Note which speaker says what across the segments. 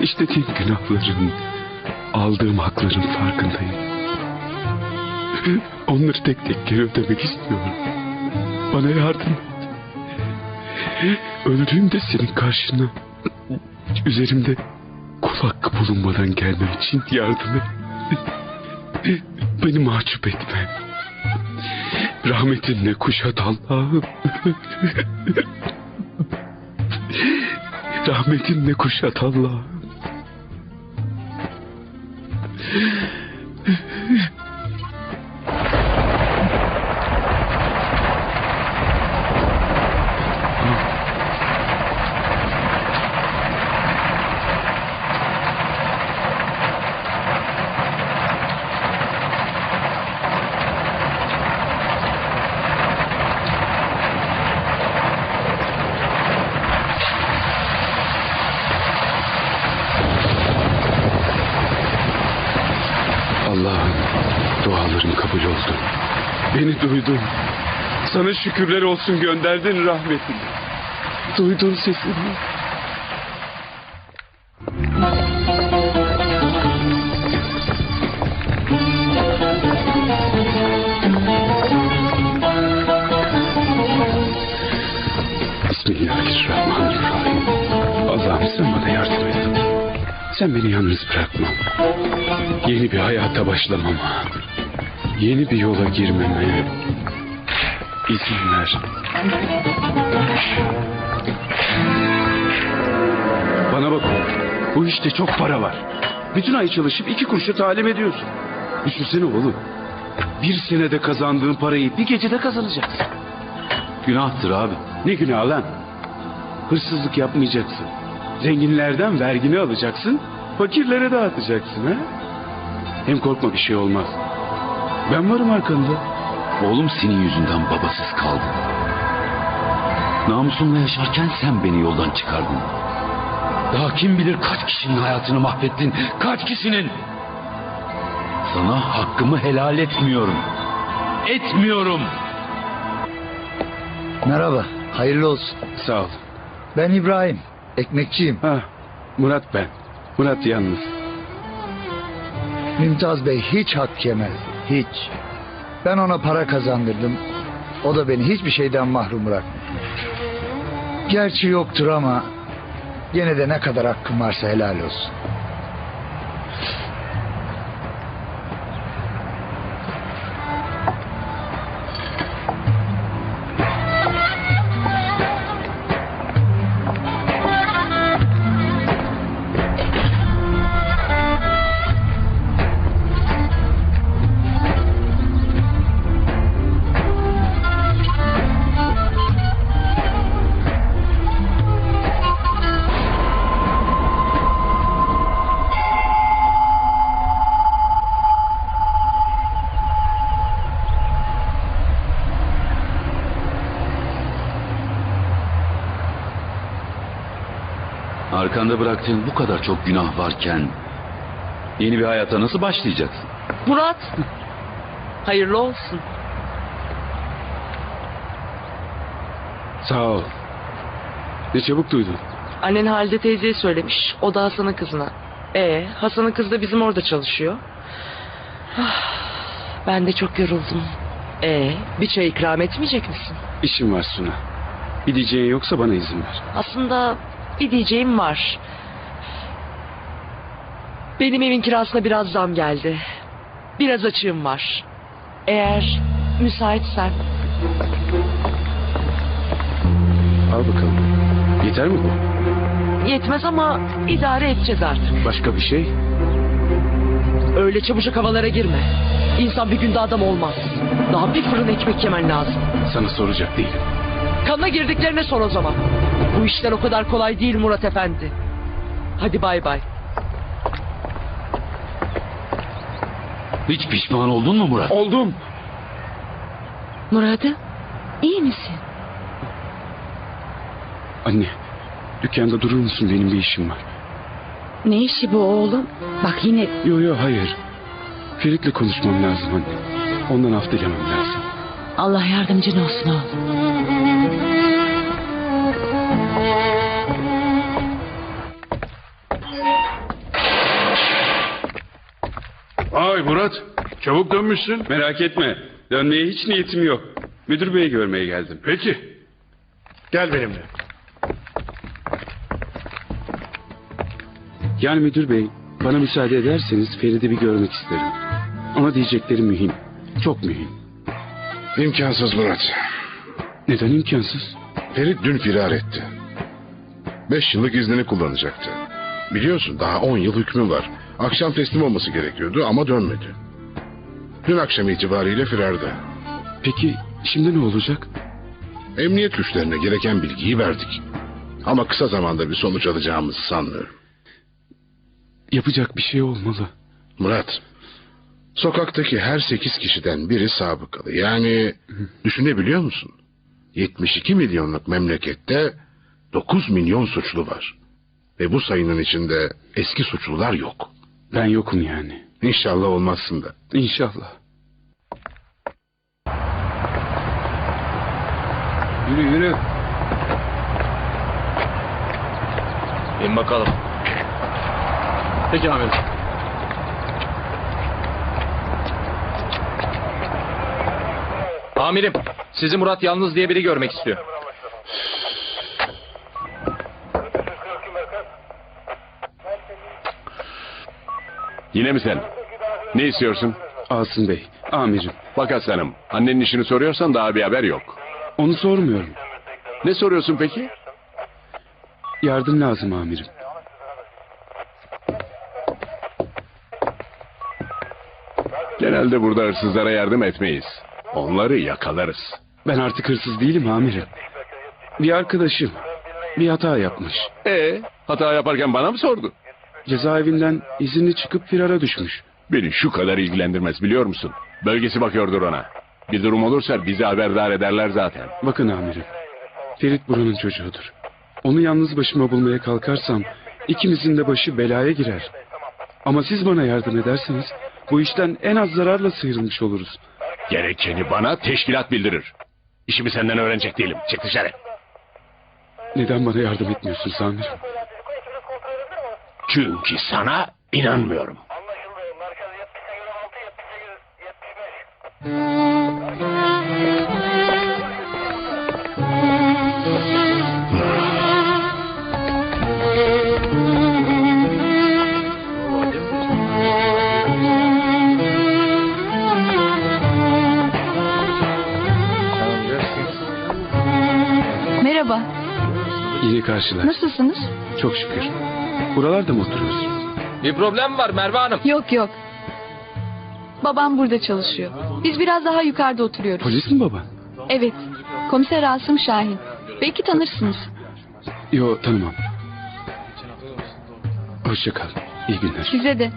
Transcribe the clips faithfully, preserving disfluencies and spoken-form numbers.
Speaker 1: İşlediğim günahların, aldığım hakların farkındayım. Onları tek tek geri ödemek istiyorum. Bana yardım et. Öldüğümde senin karşına, üzerimde kul hakkı bulunmadan gelmem için yardım et. Beni mahcup etme. Rahmetinle kuşat Allah'ım. Rahmetinle kuşat Allah'ım. Allah'ım, dualarım kabul oldu. Beni duydun. Sana şükürler olsun, gönderdin rahmetini. Duydun sesimi. Bismillahirrahmanirrahim. Allah'ım sen bana yardım et. Sen beni yalnız bırakma. Yeni bir hayata başlamama, yeni bir yola girmeme izin ver. Bana bak, bu işte çok para var. Bütün ay çalışıp iki kuruşa talim ediyorsun. Düşünsene oğlum, bir senede kazandığın parayı bir gecede kazanacaksın. Günahtır abi. Ne günah lan? Hırsızlık yapmayacaksın. Zenginlerden vergini alacaksın, fakirlere dağıtacaksın ha? Hem korkma, bir şey olmaz. Ben varım arkanda.
Speaker 2: Oğlum senin yüzünden babasız kaldım. Namusumla yaşarken sen beni yoldan çıkardın. Daha kim bilir kaç kişinin hayatını mahvettin. Kaç kişinin. Sana hakkımı helal etmiyorum. Etmiyorum.
Speaker 3: Merhaba, hayırlı olsun.
Speaker 1: Sağ ol.
Speaker 3: Ben İbrahim, ekmekçiyim.
Speaker 1: Ha, Murat ben. Murat yalnız.
Speaker 3: Mümtaz Bey hiç hak yemez, hiç. Ben ona para kazandırdım. O da beni hiçbir şeyden mahrum bırakmadı. Gerçi yoktur ama gene de ne kadar hakkım varsa helal olsun.
Speaker 2: Arkanda bıraktığın bu kadar çok günah varken yeni bir hayata nasıl başlayacaksın?
Speaker 4: Murat, hayırlı olsun.
Speaker 1: Sağ ol. Ne çabuk duydun.
Speaker 4: Annen Halide teyzeye söylemiş. O da Hasan'ın kızına. Ee, Hasan'ın kızı da bizim orada çalışıyor. Ah, ben de çok yoruldum. Ee, bir çay ikram etmeyecek misin?
Speaker 1: İşim var Suna. Bir diyeceğin yoksa bana izin ver.
Speaker 4: Aslında bir diyeceğim var. Benim evin kirasına biraz zam geldi. Biraz açığım var. Eğer müsaitsen.
Speaker 1: Al bakalım. Yeter mi bu?
Speaker 4: Yetmez ama idare edeceğiz artık.
Speaker 1: Başka bir şey?
Speaker 4: Öyle çabucak havalara girme. İnsan bir günde adam olmaz. Daha bir fırın ekmek yemen lazım.
Speaker 1: Sana soracak değilim.
Speaker 4: Kanına girdiklerine sor o zaman. Bu işler o kadar kolay değil Murat Efendi. Hadi bay bay.
Speaker 2: Hiç pişman oldun mu Murat?
Speaker 1: Oldum.
Speaker 5: Murat'ım, iyi misin?
Speaker 1: Anne, dükkanda durur musun? Benim bir işim var.
Speaker 5: Ne işi bu oğlum? Bak yine...
Speaker 1: Yo yo hayır. Ferit'le konuşmam lazım anne. Ondan af dilemem lazım.
Speaker 5: Allah yardımcın olsun oğlum.
Speaker 1: Ay Murat, çabuk dönmüşsün. Merak etme, dönmeye hiç niyetim yok. Müdür beyi görmeye geldim. Peki.
Speaker 6: Gel benimle.
Speaker 1: Yani müdür bey, bana müsaade ederseniz Ferit'i bir görmek isterim. Ama diyecekleri mühim, çok mühim.
Speaker 6: İmkansız Murat.
Speaker 1: Neden imkansız?
Speaker 6: Ferit dün firar etti. Beş yıllık iznini kullanacaktı. Biliyorsun daha on yıl hükmü var. Akşam teslim olması gerekiyordu ama dönmedi. Dün akşam itibariyle firarda.
Speaker 1: Peki şimdi ne olacak?
Speaker 6: Emniyet güçlerine gereken bilgiyi verdik. Ama kısa zamanda bir sonuç alacağımızı sanmıyorum.
Speaker 1: Yapacak bir şey olmalı.
Speaker 6: Murat, sokaktaki her sekiz kişiden biri sabıkalı. Yani düşünebiliyor musun? yetmiş iki milyonluk memlekette dokuz milyon suçlu var. Ve bu sayının içinde eski suçlular yok.
Speaker 1: Ben yokum yani.
Speaker 6: İnşallah olmazsın da.
Speaker 1: İnşallah.
Speaker 2: Yürü yürü.
Speaker 7: İn bakalım. Peki amirim. Amirim, sizi Murat Yalnız diye biri görmek istiyor.
Speaker 8: Yine mi sen? Ne istiyorsun?
Speaker 1: Asım Bey, amirim.
Speaker 8: Bak aslanım, annenin işini soruyorsan daha bir haber yok.
Speaker 1: Onu sormuyorum.
Speaker 8: Ne soruyorsun peki?
Speaker 1: Yardım lazım amirim.
Speaker 8: Genelde burada hırsızlara yardım etmeyiz. Onları yakalarız.
Speaker 1: Ben artık hırsız değilim amirim. Bir arkadaşım bir hata yapmış.
Speaker 8: Ee, hata yaparken bana mı sordu?
Speaker 1: Cezaevinden izinli çıkıp firara düşmüş.
Speaker 8: Beni şu kadar ilgilendirmez biliyor musun? Bölgesi bakıyordur ona. Bir durum olursa bizi haberdar ederler zaten.
Speaker 1: Bakın amirim, Ferit buranın çocuğudur. Onu yalnız başıma bulmaya kalkarsam ikimizin de başı belaya girer. Ama siz bana yardım ederseniz bu işten en az zararla sıyrılmış oluruz.
Speaker 8: Gerekeni bana teşkilat bildirir. İşimi senden öğrenecek değilim. Çık dışarı.
Speaker 1: Neden bana yardım etmiyorsunuz amirim?
Speaker 8: Çünkü sana inanmıyorum.
Speaker 9: Merhaba,
Speaker 1: Yine karşılar.
Speaker 9: nasılsınız?
Speaker 1: Çok şükür. Buralarda mı oturuyorsun?
Speaker 7: Bir problem var Merve Hanım.
Speaker 9: Yok yok. Babam burada çalışıyor. Biz biraz daha yukarıda oturuyoruz.
Speaker 1: Polis mi baba?
Speaker 9: Evet, komiser Asım Şahin. Belki tanırsınız.
Speaker 1: Yo, tanımam. Hoşça kal. İyi günler.
Speaker 9: Size de.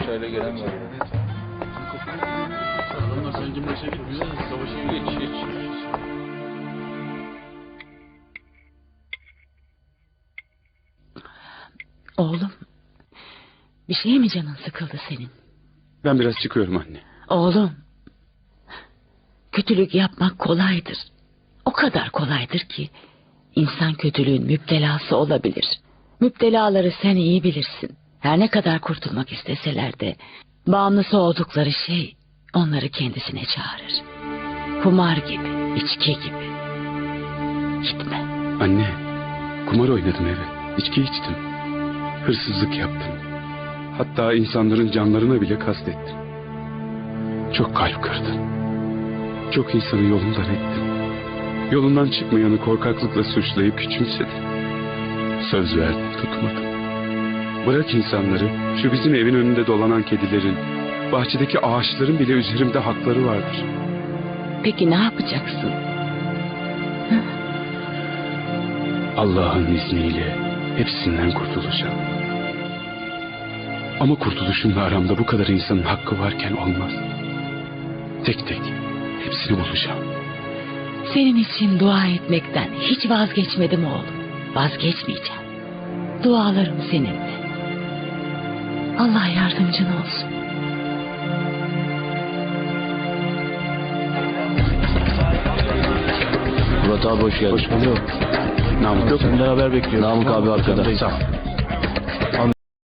Speaker 5: Oğlum, bir şeye mi canın sıkıldı senin?
Speaker 1: Ben biraz çıkıyorum anne.
Speaker 5: Oğlum, kötülük yapmak kolaydır. O kadar kolaydır ki insan kötülüğün müptelası olabilir. Müptelaları sen iyi bilirsin. Her ne kadar kurtulmak isteseler de bağımlısı oldukları şey onları kendisine çağırır. Kumar gibi, içki gibi. Gitme.
Speaker 1: Anne, kumar oynadım eve. İçki içtim. Hırsızlık yaptım. Hatta insanların canlarına bile kastettim. Çok kalp kırdım. Çok insanı yolundan ettim. Yolundan çıkmayanı korkaklıkla suçlayıp küçümsedim. Söz verdim, tutmadım. Bırak insanları, şu bizim evin önünde dolanan kedilerin, bahçedeki ağaçların bile üzerimde hakları vardır.
Speaker 5: Peki ne yapacaksın?
Speaker 1: Allah'ın izniyle hepsinden kurtulacağım. Ama kurtuluşumla aramda bu kadar insanın hakkı varken olmaz. Tek tek hepsini bulacağım.
Speaker 5: Senin için dua etmekten hiç vazgeçmedim oğlum. Vazgeçmeyeceğim. Dualarım seninle. Allah yardımcın olsun.
Speaker 7: Murat abi hoş geldin.
Speaker 1: Hoş bulduk. Namık yok mu?
Speaker 7: Senden haber bekliyorum. Namık abi arkada.
Speaker 1: Sağ ol.